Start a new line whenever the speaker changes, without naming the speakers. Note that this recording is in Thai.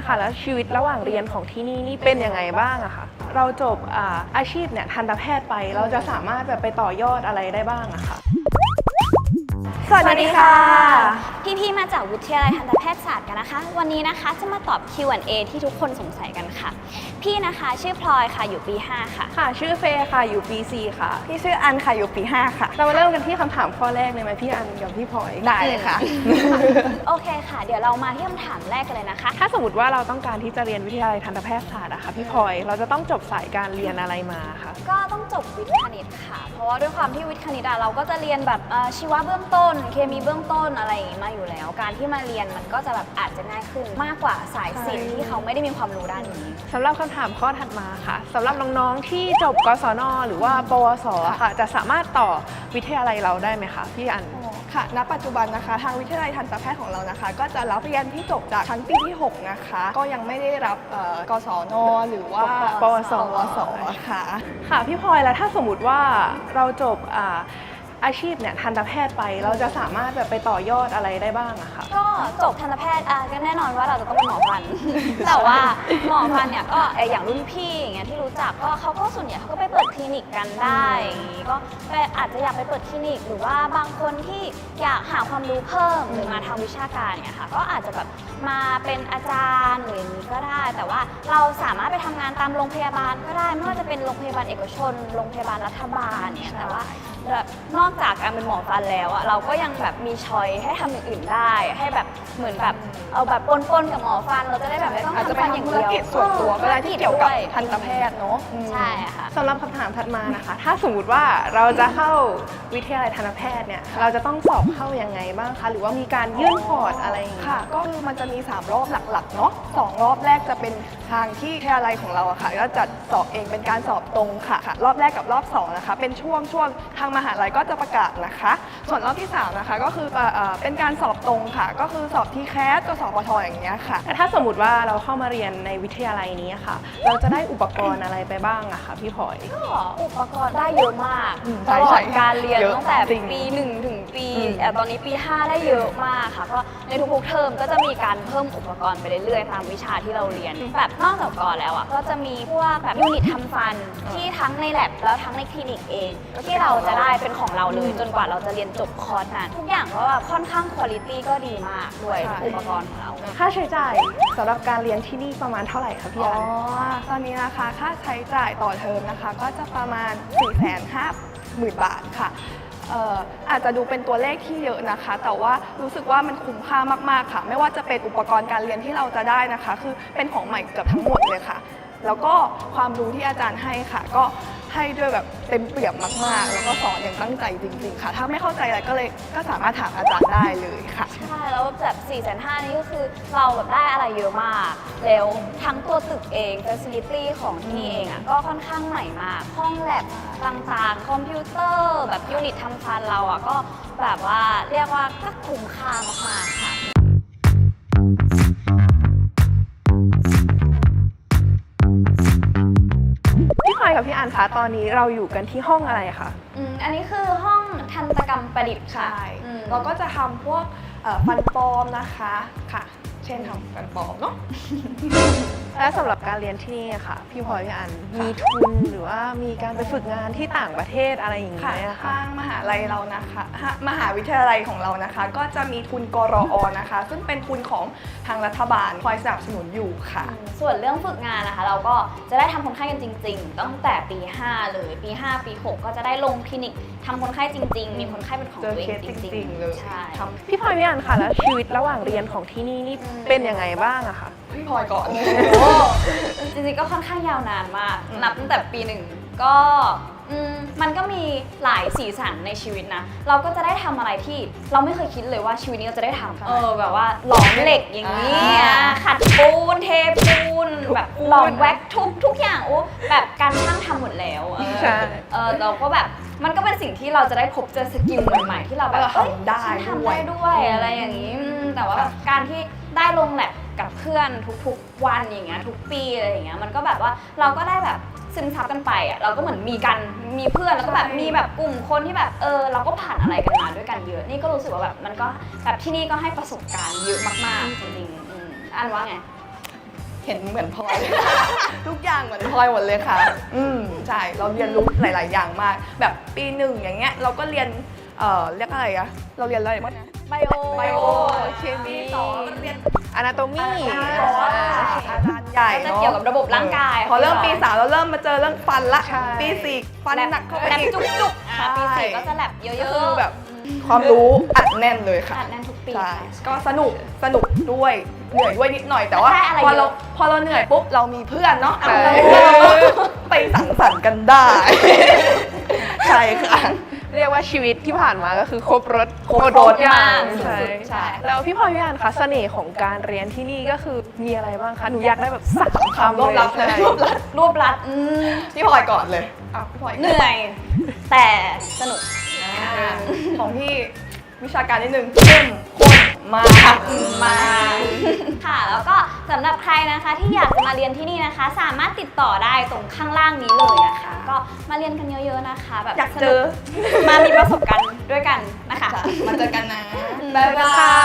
ค่ะแล้วชีวิตระหว่างเรียนของที่นี่เป็นยังไงบ้างอะคะเราจบอาชีพเนี่ยทันตแพทย์ไปเราจะสามารถแบบไปต่อยอดอะไรได้บ้างอะคะ
สวัสดีค่ะพี่ๆมาจากวิทยาลัยทันตแพทยศาสตร์กันนะคะวันนี้นะคะจะมาตอบ Q&A ที่ทุกคนสงสัยกันค่ะพี่นะคะชื่อพลอยค่ะอยู่ปี5ค่ะ
ค่ะชื่อเฟย์ค่ะอยู่ปี 4ค่ะ
พี่ชื่ออันค่ะอยู่ปี5ค่ะ
เรามาเริ่มกันที่คำถามข้อแรกเลยไหมพี่อันกับพี่พลอย
ได้เลยค่ะ
โอเคค่ะเดี๋ยวเรามาที่คำถามแรกกันเลยนะคะ
ถ้าสมมติว่าเราต้องการที่จะเรียนวิทยาลัยทันตแพทยศาสตร์อะค่ะพี่พลอยเราจะต้องจบสายการเรียนอะไรมาคะ
ก็ต้องจบวิทย์คณิตค่ะเพราะว่าด้วยความที่วิทย์คณิตเราก็จะเรียนแบบชีวะเบื้องต้นเคมีเบื้องต้นอะไรอย่างนี้มาอยู่แล้วการที่มาเรียนมันก็จะแบบอาจจะง่ายขึ้นมากกว่าสายศิลป์ที่เขาไม่ได้มีความรู้ด้านนี้
สำหรับคำถามข้อถัดมาค่ะสำหรับน้องๆที่จบกศนหรือว่าปวสค่ะจะสามารถต่อวิทยาลัยเราได้ไหมคะพี่อัน
ค่ะณปัจจุบันนะคะทางวิทยาลัยทันตแพทย์ของเรานะคะก็จะรับเรียนที่จบจากชั้นปีที่6นะคะก็ยังไม่ได้รับกศนหรือว่า
ปวส
ค่ะ
ค่ะพี่พลอยแล้วถ้าสมมติว่าเราจบอาชีพเนี่ยทันตแพทย์ไปเราจะสามารถแบบไปต่อยอดอะไรได้บ้างอะคะ
ก็จบทันตแพทย์ก็แน่นอนว่าเราจะต้องเป็นหมอฟัน แต่ว่าหมอฟันเนี่ยก็อย่างรุ่นพี่อย่างเงี้ยที่รู้จักก็เขาก็ส่วนใหญ่เขาก็ไปเปิดคลินิกกันได้อย่างงี้ก็อาจจะอยากไปเปิดคลินิกหรือว่าบางคนที่อยากหาความรู้เพิ่มหรือมาทางวิชาการเนี่ยค่ะก็อาจจะแบบมาเป็นอาจารย์หรืออย่างนี้ก็ได้แต่ว่าเราสามารถไปทำงานตามโรงพยาบาลก็ได้ไม่ว่าจะเป็นโรงพยาบาลเอกชนโรงพยาบาลรัฐบาลเนี่ยแต่ว่านอกจากการเป็นหมอฟันแล้วเราก็ยังแบบมีช้อยให้ทำอย่างอื่นได้ให้แบบเหมือนแบบเอาแบบปนๆกับหมอฟันเราจะได้แบบไม่ต้องทำฟันอย่างเดียว
ธุรกิจส่วนตัวก็ได้ที่เกี่ยวกับทันตแพทย์เนาะ
ใช่ค่ะ
สำหรับคำถามถัดมานะคะถ้าสมมติว่าเราจะเข้าวิทยาลัยทันตแพทย์เนี่ยเราจะต้องสอบเข้ายังไงบ้างคะหรือว่ามีการยื่นพอร์ตอะไรอย่างเงี้ย
ค่ะก็คือมันจะมี3รอบหลักๆเนาะ2รอบแรกจะเป็นทางที่วิทยาลัยของเราอะค่ะก็จัดสอบเองเป็นการสอบตรงค่ะรอบแรกกับรอบ2นะคะเป็นช่วงทางมหาลัยก็จะประกาศนะคะส่วนรอบที่3นะคะก็คือเป็นการสอบตรงค่ะก็คือสอบทีแคสกับสปทอย่างเงี้ยค่ะ
ถ้าสมมติว่าเราเข้ามาเรียนในวิทยาลัยนี้ค่ะเราจะได้อุปกรณ์อะไรไปบ้างอะคะพี่พลอย
ก็อุปกรณ์ได้เยอะมากตลอดการเรียนตั้งแต่ปี1ถึงปีตอนนี้ปี5ได้เยอะมากค่ะก็ในทุกๆเทอมก็จะมีการเพิ่มอุปกรณ์ไปเรื่อยๆตามวิชาที่เราเรียนแบบนอกจากก่อนแล้วก็จะมีพวกแบบยูนิตทำฟันที่ทั้งในแลบแล้วทั้งในคลินิกเองที่เราจะได้เป็นของเราเลยจนกว่าเราจะเรียนจบคอร์สนั้นทุกอย่างก็แบบค่อนข้างคุณภาพก็ดีมากด้วยอุปกรณ์ของเรา
ค่าใช้จ่ายสำหรับการเรียนที่นี่ประมาณเท่าไหร่คะพี่อัน
ตอนนี้นะคะค่าใช้จ่ายต่อเทอมนะคะก็จะประมาณ 450,000 บาทค่ะอาจจะดูเป็นตัวเลขที่เยอะนะคะแต่ว่ารู้สึกว่ามันคุ้มค่ามากๆค่ะไม่ว่าจะเป็นอุปกรณ์การเรียนที่เราจะได้นะคะคือเป็นของใหม่เกือบทั้งหมดเลยค่ะแล้วก็ความรู้ที่อาจารย์ให้ค่ะก็ให้ด้วยแบบเต็มเปี่ยมมากๆแล้วก็สอนอย่างตั้งใจจริงๆค่ะถ้าไม่เข้าใจอะไรก็สามารถถามอาจารย์ได้เลยค่ะ
ใช่แล้วแบบ450,000นี่ก็คือเราแบบได้อะไรเยอะมากแล้วทั้งตัวตึกเอง facility ของที่นี่เองก็ค่อนข้างใหม่มากห้องแลบต่างๆคอมพิวเตอร์แบบยูนิตทำฟันเราก็แบบว่าเรียกว่าก็คุ้มค่ามากๆค่ะ
กับพี่อันคะตอนนี้เราอยู่กันที่ห้องอะไรคะ
อันนี้คือห้องทันตกรรมประดิษฐ์ค่ะ
เราก็จะทำพวกฟันปลอมนะคะค่ะเช่นทำฟันปลอมเนาะ
และสำหรับการเรียนที่นี่ค่ะพี่พลอยพี่อันมีทุนหรือว่ามีการไปฝึกงานที่ต่างประเทศอะไรอย่างเงี้ย
ทางมหาลัยเรานะคะมหาวิทยาลัยของเรานะคะก็จะมีทุนกรอนะคะซึ่งเป็นทุนของทางรัฐบาลคอยสนับสนุนอยู่ค่ะ
ส่วนเรื่องฝึกงานนะคะเราก็จะได้ทำคนไข้กันจริงๆตั้งแต่ปี5เลยปี5ปี6ก็จะได้ลงคลินิกทำคนไข้จริงๆมีคนไข้เป็นของตัวเองจริงๆ
เลย
ใช่
พี่พลอยพี่อันค่ะแล้วชีวิตระหว่างเรียนของที่นี่เป็นยังไงบ้างอะคะ
พี่พลอยก่อน
จริงๆก็ค่อนข้างยาวนานมากนับตั้งแต่ปี1ก็มันก็มีหลายสีสันในชีวิตนะเราก็จะได้ทำอะไรที่เราไม่เคยคิดเลยว่าชีวิตนี้เราจะได้ทำแบบว่าหลอมเหล็กอย่างนี้ขัดปูนเทปูนแบบหลอมแว็กทุกอย่างแบบการช่างทำหมดแล้วเราก็แบบมันก็เป็นสิ่งที่เราจะได้พบเจอสกิลใหม่ๆที่เราแบบ
ทำได้
ด้วยอะไรอย่างนี้แต่ว่าการที่ได้ลงแลบกับเพื่อนทุกๆวันอย่างเงี้ยทุกปีอะไรอย่างเงี้ยมันก็แบบว่าเราก็ได้แบบซึมซับกันไปเราก็เหมือนมีเพื่อนแล้วก็แบบมีแบบกลุ่มคนที่แบบเราก็ผ่านอะไรกันมาด้วยกันเยอะนี่ก็รู้สึกว่าแบบมันก็แบบที่นี่ก็ให้ประสบการณ์เยอะมากๆจริงๆอันว่าไง
เห็นเหมือนพลอย ทุกอย่างเหมือนพลอยหมดเลยค่ะ ใช่ เราเรียนรู้หลาย ๆ อย่างมาก แบบปี 1อย่างเงี้ยเราก็เรียนเรียกอะไรอะเราเรียนอะไรบ้างนะ
ไบโอ
ไบโอเคมี
ปี 2เราเรียน
อนาโตมี
อาจารย์ใหญ่
จะเกี่ยวกับระบบร่างกาย
พอเริ่มปี 3เราเริ่มมาเจอเรื่องฟันละ
ใช่
ปี 4 ฟันหนักเข้าไป
แลบ
อีก
จุกๆปี
ใช่
4ก็จะแลบเยอะ
ก็คือ
ๆ
แบบความรู้อัดแน่นเลยค่ะ
อัดแน่นทุกปี
ใช่
ค่ะ
ก็สนุกด้วยเหนื่อยด้วยนิดหน่อยแต่ว่า
ได้อะไร
พอ
เย
เรา
อะ
พอเราเหนื่อยปุ๊บเรามีเพื่อนเนาะ
ใช่
เราก็ไปสังสรรค์กันได้ ใช่ค่ะ
เรียกว่าชีวิตที่ผ่านมาก็คือครบรถ
ครบรส
อย่าง
มาก
ใช่
สุดๆใช่
แล้วพี่พลอยพี่อันคะเสน่ห์ของการเรียนที่นี่ก็คือมีอะไรบ้างคะหนูอยากได้แบบสาม
ความ
คำ
รวบลัดเลย
ใช่
รวบรัด
พี่พลอยก่อนเลยพี่พลอย
เหนื่อย แต่สนุก
ของพี่วิชาการนิดนึงเข้มข้นมากมาก
ค่ะ แล้วก็สำหรับใครนะคะที่อยากจะมาเรียนที่นี่นะคะ สามารถติดต่อได้ตรงข้างล่างนี้เลยนะคะ ก็มาเรียนกันเยอะๆนะคะ แบบ
อยากเจอ
สนุกมามีประสบการณ์ด้วยกันนะคะ
มาเจอกันนะ
บ๊ายบาย